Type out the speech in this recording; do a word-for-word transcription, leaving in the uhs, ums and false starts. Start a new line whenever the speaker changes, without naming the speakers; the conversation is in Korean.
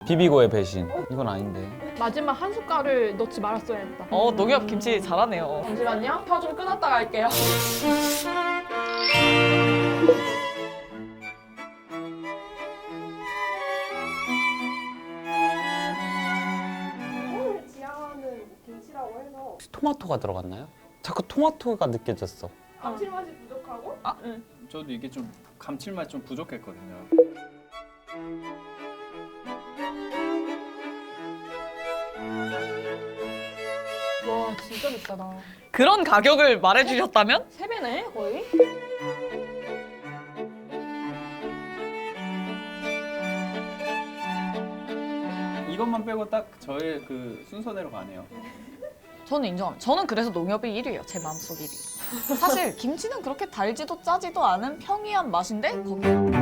비비고의 배신. 이건 아닌데.
마지막 한 숟갈을 넣지 말았어야 했다.
어, 농협 김치 잘하네요.
잠시만요. 혀 좀 끊었다 갈게요.
오늘 지향하는 김치라고 해서
토마토가 들어갔나요? 자꾸 토마토가 느껴졌어.
감칠맛이 부족하고
저도 이게 좀 감칠맛 좀 부족했거든요.
와 진짜 비싸다.
그런 가격을 말해주셨다면?
세 배네 거의.
이것만 빼고 딱 저의 그 순서대로 가네요.
저는 인정합니다. 저는 그래서 농협이 일 위예요. 제 마음속 일 위. 사실 김치는 그렇게 달지도 짜지도 않은 평이한 맛인데 거기